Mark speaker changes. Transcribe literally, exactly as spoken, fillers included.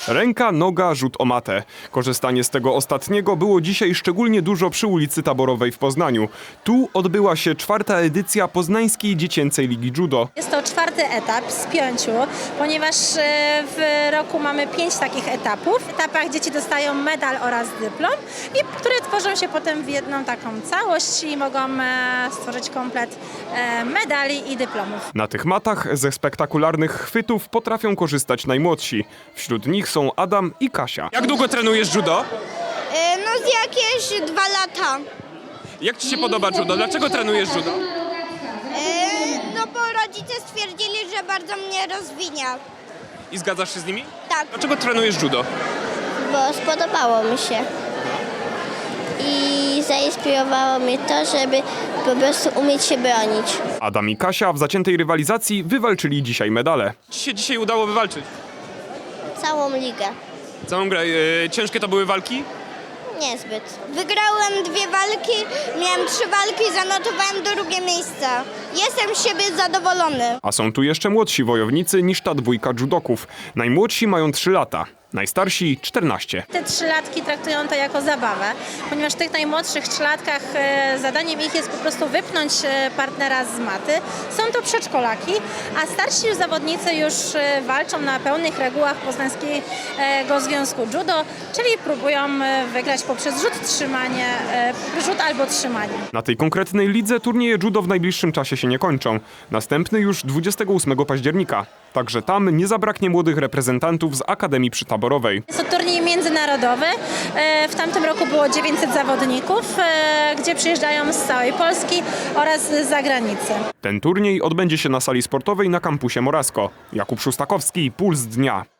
Speaker 1: Ręka, noga, rzut o matę. Korzystanie z tego ostatniego było dzisiaj szczególnie dużo przy ulicy Taborowej w Poznaniu. Tu odbyła się czwarta edycja Poznańskiej Dziecięcej Ligi Judo.
Speaker 2: Jest to czwarty etap z pięciu, ponieważ e, w roku mamy pięć takich etapów. W etapach dzieci dostają medal oraz dyplom, i które tworzą się potem w jedną taką całość i mogą e, stworzyć komplet e, medali i dyplomów.
Speaker 1: Na tych matach ze spektakularnych chwytów potrafią korzystać najmłodsi. Wśród nich są Adam i Kasia.
Speaker 3: Jak długo trenujesz judo?
Speaker 4: E, No z jakieś dwa lata.
Speaker 3: Jak ci się podoba judo? Dlaczego trenujesz judo?
Speaker 4: E, No bo rodzice stwierdzili, że bardzo mnie rozwinia.
Speaker 3: I zgadzasz się z nimi?
Speaker 4: Tak,
Speaker 3: Dlaczego trenujesz judo?
Speaker 5: Bo spodobało mi się. I zainspirowało mnie to, żeby po prostu umieć się bronić.
Speaker 1: Adam i Kasia w zaciętej rywalizacji wywalczyli dzisiaj medale.
Speaker 3: Ci się dzisiaj udało wywalczyć?
Speaker 5: Całą ligę.
Speaker 3: Całą grę. E, ciężkie to były walki?
Speaker 5: Niezbyt.
Speaker 4: wygrałem dwie walki, miałem trzy walki, zanotowałem drugie miejsce. Jestem z siebie zadowolony.
Speaker 1: A są tu jeszcze młodsi wojownicy niż ta dwójka judoków. Najmłodsi mają trzy lata, najstarsi czternaście.
Speaker 2: Te trzylatki traktują to jako zabawę, ponieważ w tych najmłodszych trzylatkach e, zadaniem ich jest po prostu wypchnąć e, partnera z maty. Są to przedszkolaki, a starsi już zawodnicy już e, walczą na pełnych regułach Poznańskiego Związku Judo, czyli próbują e, wygrać poprzez rzut, trzymanie, e, rzut albo trzymanie.
Speaker 1: Na tej konkretnej lidze turnieje judo w najbliższym czasie się nie kończą. Następny już dwudziestego ósmego października. Także tam nie zabraknie młodych reprezentantów z Akademii Przytaborowej.
Speaker 2: Jest to turniej międzynarodowy. E, W tamtym roku było dziewięćset zawodników, e, gdzie przyjeżdżają z całej Polski oraz z zagranicy.
Speaker 1: Ten turniej odbędzie się na sali sportowej na kampusie Morasko. Jakub Szustakowski, Puls Dnia.